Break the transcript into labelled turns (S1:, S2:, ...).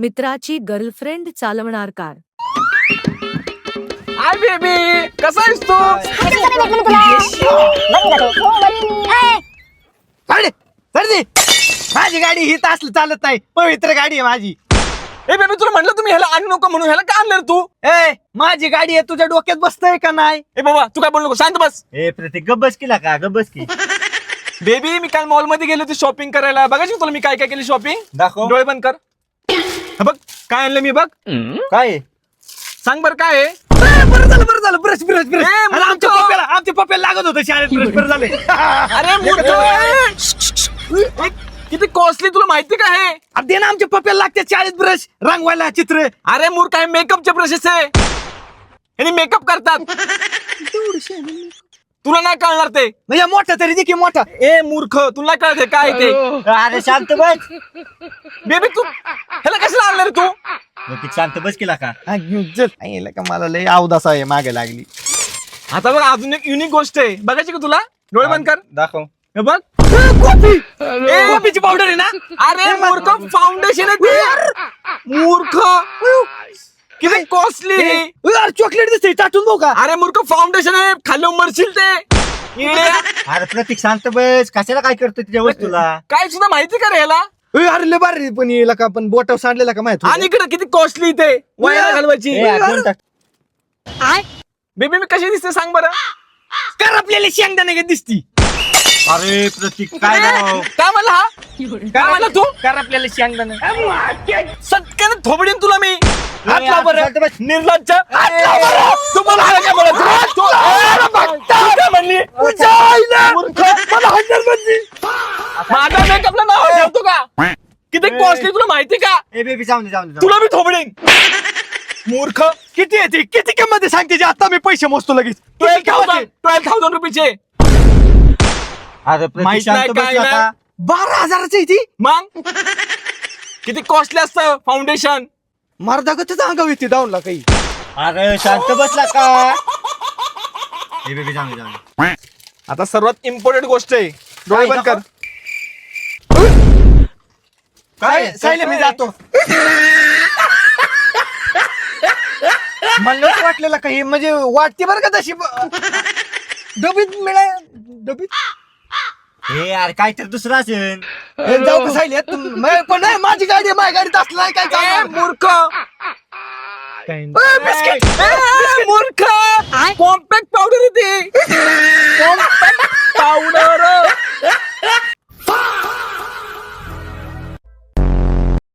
S1: मित्राची गर्लफ्रेंड चालवणार car.
S2: Hi baby, कसा आहेस तू?
S3: माझी गाडी ही तास चालत नाही, पवित्र गाडी आहे माझी.
S2: ए बेबी, तुला म्हटलं तुम्ही ह्याला आणू नको म्हणून, ह्याला का आणलं रे तू?
S3: ए माझी गाडी आहे, तुझ्या डोक्यात बसतंय का नाही?
S2: ए बाबा, तू काय बोलू नको, शांत बस.
S4: ए प्रतीक गब्बस केला का गब्बस की
S2: बेबी, मी काल मॉल मध्ये गेलो होती शॉपिंग करायला. बघायची तुला मी काय काय केली शॉपिंग?
S4: दाखव.
S2: डोळे बंद कर. हे बघ काय आणलं मी, बघ.
S4: काय
S2: सांग बर काय आहे?
S3: बरं झालं ब्रश ब्रश ब्रश.
S2: ए,
S3: अरे, आमच्या पप्प्याला लागत होतं शाळेत ब्रश. बरं झालं.
S2: अरे मूर्ख, किती कॉस्टली तुला माहिती का हे?
S3: अरे दे ना, आमच्या पप्प्याला लागते शाळेत ब्रश रंगवायला चित्र.
S2: अरे मूर्ख, आहे मेकअपचे ब्रशेस आहे. यांनी मेकअप करतात. तुला नाही कळणार ते.
S3: म्हणजे मोठा तरी दे की मोठा.
S2: ए मूर्ख, तुला नाही कळत हे काय ते?
S4: अरे शांत बस
S2: बेबी, तू ह्याला कशाला आणलं रे तू?
S4: प्रतीक शांत बस केला का
S3: हा, घेऊन चल. आईला का मला लय अवदास आहे, मागे लागली.
S2: आता बघ, अजून एक युनिक गोष्ट आहे. बघायची का तुला? डोळे बंद कर.
S4: दाखव
S2: हे बघ.
S3: कॉफीची पावडर आहे ना?
S2: अरे मूर्ख, फाउंडेशन आहे ते. मूर्ख, किती कॉस्टली.
S3: चॉकलेट दिसते, टाटून बघू का?
S2: अरे मूर्ख, फाउंडेशन आहे, खाली मरशील ते. येड्या.
S4: अरे प्रतीक शांत बस कशाला काय करतो तुझ्या वस्तूला
S2: काय सुद्धा माहिती का रे ह्याला?
S3: अरे लय भारी पण येला का, पण बोटावर सांडलेला का माहिती?
S2: आणि इकडे किती कॉस्टली ते वयाला घालवायची.
S4: ए, आठवण टाक.
S2: बेबी, मी कशी दिसते सांग बरं?
S3: कर आपल्याला शेंगदाणे का दिसती.
S4: अरे प्रतीक काय राव?
S2: काय म्हणला हा? काय म्हणला तू?
S3: कर आपल्याला शेंगदाणे.
S2: सटकन थोबडीन तुला मी.
S3: हात लाव बरं.
S4: शांत बस.
S2: निर्लज्ज. हात लाव बरं. तू मला हात काय म्हणला? तू काय म्हणली? मूर्ख, मला हाणणार म्हणली. माझ्या मेकअपला नाव ठेवतो का? किती कॉस्टली तुला माहिती का?
S4: ए बेबी जाऊन दे
S2: तुला मी थोबडीन. मूर्ख.
S3: किती येते, किती किंमत सांगते जे आता मी पैसे मोजतो लगेच.
S2: 12,000 रुपयाचे.
S4: अरे प्रतीक
S2: माहित
S4: शांत
S2: नाही
S4: बस
S2: काय
S4: का
S2: नाही.
S3: 12,000ची आहे ती.
S2: मग किती कॉस्टली असतं फाउंडेशन.
S3: मारदागतच अंगाव येते डाऊनला काही.
S4: अरे शांत बसला का ए बेबी जाऊन दे
S2: आता सर्वात इम्पॉर्टंट गोष्ट आहे. डोळे बंद कर.
S3: काय सायले मी जातो. मला नव्हतं वाटलेलं काही, म्हणजे वाटते बरं का तशी. डबीत मिळाय डबीत.
S4: ए यार काय तर दुसरं असेल
S3: हे जाऊ का सायले पण नाही, माझी गाडी आहे, माझ्या गाडीत असलं नाही काय
S2: ए,
S3: चालणार.
S2: मूर्ख.
S3: बिस्किट.
S2: ए, मूर्ख. कॉम्पॅक्ट पावडर येते. Compact powder.